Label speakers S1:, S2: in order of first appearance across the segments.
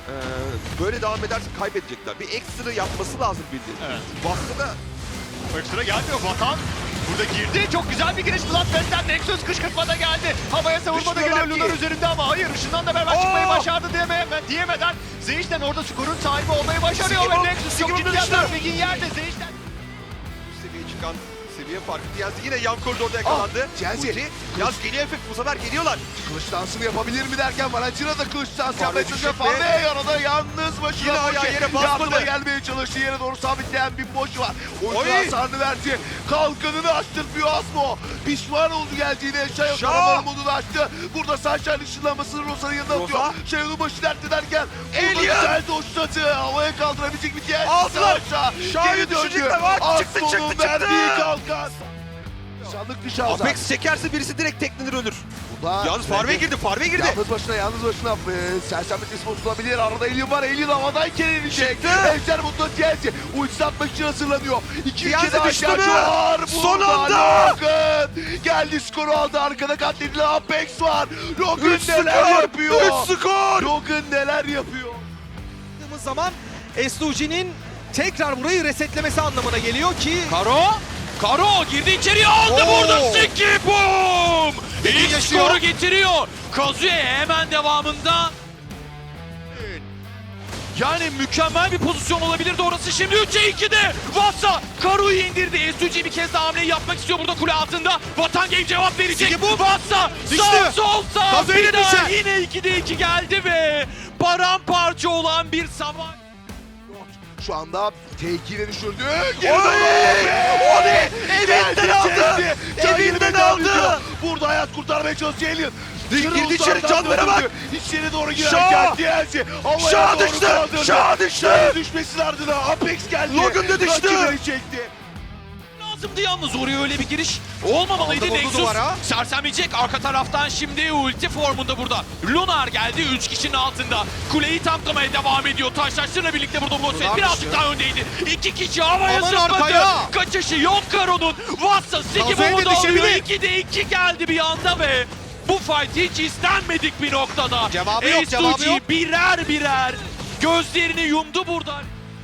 S1: Böyle devam ederse kaybedecekler. Bir ekstra yapması lazım bildiğin.
S2: Evet.
S1: Bastı da
S2: Ekstra gelmiyor Vatan. Burada girdi. Çok güzel bir giriş. Bloodbath'ten Nexus kışkırtmada geldi. Havaya savurma da geliyor
S1: Düşmüyorlar
S2: Lunar
S1: ki.
S2: üzerinde ama hayır ışından da beraber çıkmayı başardı diyemeden Zeyş'ten orada skorun sahibi olmayı başarıyor
S1: Sigurd,
S2: ve Nexus çok
S1: Sigurd
S2: ciddi
S1: düştü.
S2: atar Big'in yerde Zeyş'ten.
S1: üst seviyeye çıkan seviye farkı. Diyazi yine yan koridorda yakalandı.
S3: Diyazi.
S1: Ulti. Yaz geliyor efekt bu sefer geliyorlar.
S3: Kılıç dansını yapabilir mi derken Valentino da kılıç dansı
S1: Farve
S3: yapmaya çalışıyor.
S1: düşecek mi?
S3: Farve yanında yalnız başına
S1: Yine ayağı
S3: Boşe.
S1: yere basmadı.
S3: Yardıma gelmeye çalıştı. Yere doğru sabitleyen bir boş var.
S1: Oy.
S3: Oyuncu hasarını verdi. Kalkanını açtırmıyor Asmo. Pişman oldu geldiğine. Şayo
S1: Şah.
S3: taramalı modunu açtı. Burada Sunshine ışınlanmasını Rosa'nın yanına atıyor.
S1: Rosa.
S3: Şayo'nun başı dertte derken.
S1: Alien.
S3: Burada güzel doşladı. Havaya kaldırabilecek bir diğer.
S1: Aldılar.
S3: Şah.
S1: Şah'ı
S3: Geri döndü.
S1: düşecekler. Bak, çıktı,
S3: Asmo'nun
S1: çıktı, çıktı.
S3: verdiği kalkan. Şanlık dışı Hazar.
S1: Apex çekerse birisi direkt teklenir ölür.
S3: Burada
S1: Yalnız Farve girdi, Farve girdi.
S3: Yalnız başına sersemlik ismi tutulabilir. Arada Alien var. Alien havadayken inecek.
S1: Çıktı.
S3: Ejder Mutlu Chelsea. Ultisi atmak için hazırlanıyor. İki
S1: Diyazi
S3: ülke daha
S1: düştü
S3: ihtiyacı
S1: mü?
S3: var.
S1: Son
S3: Burada
S1: anda.
S3: Logan geldi, skoru aldı. Arkada katledilen Apex var. Logan
S1: 3
S3: neler
S1: skor.
S3: yapıyor?
S1: 3 skor.
S3: Logan neler yapıyor?
S4: baktığımız zaman S2G'nin tekrar burayı resetlemesi anlamına geliyor ki
S5: Karo girdi içeriye aldı
S1: Oo.
S5: burada Siki boom! İlk
S1: yaşıyor.
S5: skoru getiriyor. Kazuya hemen devamında. Yani mükemmel bir pozisyon olabilirdi orası. Şimdi 3'e 2'de Vasa Karo'yu indirdi. S2G bir kez daha hamleyi yapmak istiyor burada kule altında. Vatan Game cevap verecek.
S4: Siki boom.
S5: Vasa
S4: Düştü.
S5: sağ sol sağ.
S4: Kazuya
S5: Bir daha
S4: düşecek.
S5: yine 2'de 2 geldi ve paramparça olan bir savaş.
S3: Şu anda T2'ye düşürdü.
S1: O ne? Evinden aldı. Evinden aldı.
S3: Burada hayat kurtarmaya çalışıyor Alien.
S1: Girdi içeri, canlara bak.
S3: İçeri doğru
S1: Şah.
S3: girerken Diyazi havaya
S1: Şah
S3: doğru
S1: düştü.
S3: kaldırdı.
S1: Şah düştü.
S3: Şah'ın düşmesinin ardına Apex geldi.
S1: Logan da düştü.
S3: Rakibini çekti.
S5: Lazımdı yalnız oraya öyle bir giriş olmamalıydı.
S4: Aldı, vurdu
S5: Nexus
S4: duvara.
S5: sersemleyecek arka taraftan şimdi ulti formunda burada. Lunar geldi 3 kişinin altında. Kuleyi tanklamaya devam ediyor. Taşlaştırla birlikte burada Mosfet
S4: Lunar
S5: birazcık
S4: düştü.
S5: daha öndeydi. 2 kişi havaya
S4: Aman
S5: zıpladı.
S4: arkaya.
S5: Kaçışı yok Karo'nun. Vassa Siki
S4: Kazuya
S5: Bomb'u
S4: da
S5: da alıyor.
S4: düşebilir.
S5: 2'de 2 geldi bir anda ve bu fight hiç istenmedik bir noktada.
S4: Cevabı yok, cevabı
S5: S2G
S4: yok.
S5: birer gözlerini yumdu buradan.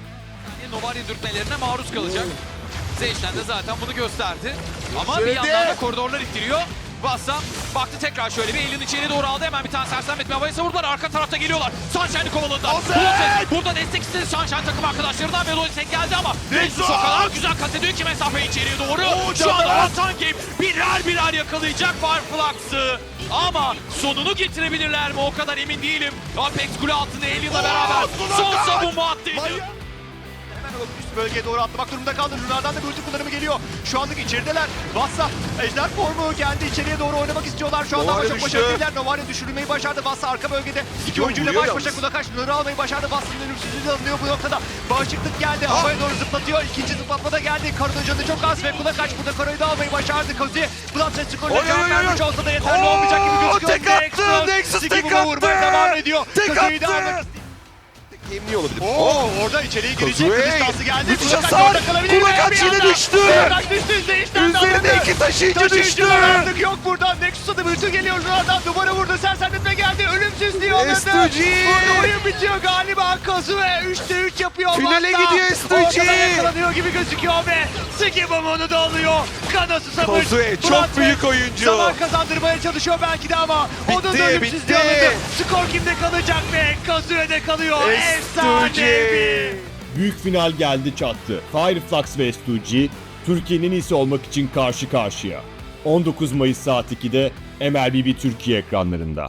S5: Novari dürtmelerine maruz kalacak. Zeyş'ten de zaten bunu gösterdi. Ama bir
S3: Söyledi.
S5: yandan da koridorlar ittiriyor. Vassa baktı tekrar şöyle bir elini içeri doğru aldı. Hemen bir tane sersemletme havaya savurdular. Arka tarafta geliyorlar. Sunshine'ı kovaladılar.
S3: Ozan!
S5: Burada destek istedi Sunshine takım arkadaşlarından ve destek geldi ama Nexus o kadar güzel kat ediyor ki mesafeyi içeriye doğru. Şu anda Vatan Game birer yakalayacak Fireflux'ı. Ama sonunu getirebilirler mi o kadar emin değilim. Apex kule altında Alien'la beraber son savunma attıydı.
S2: Hemen o üst bölgeye doğru atlamak durumunda kaldı. Lunar'dan da bir ulti kullanımı geliyor. Şu anlık içerideler. Vassa ejder formu geldi. İçeriye doğru oynamak istiyorlar. Şu anda ama
S1: Novaria
S2: çok
S1: düştü.
S2: başarılı değiller. Novaria düşürülmeyi başardı. Vassa arka bölgede iki
S1: Yok,
S2: oyuncuyla
S1: vuruyor
S2: baş başa
S1: yalnız.
S2: Kulakaş Lunar'ı almayı başardı. Vassa'nın ölümsüzlüğü de alınıyor bu noktada. Bağışıklık geldi. Havaya doğru zıplatıyor. İkinci zıplatma da geldi. Karo'nun canı çok az ve Kulakaş burada Karo'yu da almayı başardı. Kazi Bloodset skoruna
S1: Oy,
S2: cevap
S1: oy, oy,
S2: vermiş
S1: oy.
S2: olsa da yeterli olmayacak gibi gözüküyor.
S1: Tek attı. Nexus
S2: Siki
S1: tek
S2: Boom'a
S1: attı.
S2: vurmaya devam ediyor.
S1: Tek
S2: Kazi'yi de
S1: attı.
S2: almak
S1: Yemli olabilir.
S2: orada içeriye girecek.
S1: Kazuya.
S2: Kılıç dansı geldi.
S1: Müthiş
S2: Kulakaç
S1: hasar.
S2: orada kalabilir.
S1: Kulakaç
S2: Bir
S1: yine
S2: anda.
S1: düştü.
S2: Kulakaç düştü. Zeyş'ten de
S1: Üzerine
S2: alındı.
S1: iki taşıyıcı düştü.
S2: Taşıyıcılar artık yok burada. Nexus'a da bütün geliyor. Lunar'dan duvara vurdu. Sersemletme geldi. Ölümsüzlüğü alındı.
S1: S2G.
S2: Burada oyun bitiyor galiba. Kazuya 3'te 3 yapıyor.
S1: Finale
S2: Vassa.
S1: gidiyor S2G.
S2: Ortadan yakalanıyor gibi gözüküyor ve Siki Boom onu da alıyor. Kana susamış.
S1: Kazuya çok
S2: Bloodbath
S1: büyük oyuncu.
S2: Zaman kazandırmaya çalışıyor belki de ama onun da
S1: Bitti,
S2: ölümsüzlüğü
S1: bitti.
S2: alındı. Skor kimde kalacak ve Kazuya kalıyor. Efsanevi.
S6: Büyük final geldi çattı. Fireflux ve S2G, Türkiye'nin iyisi olmak için karşı karşıya. 19 Mayıs saat 2'de MLBB Türkiye ekranlarında.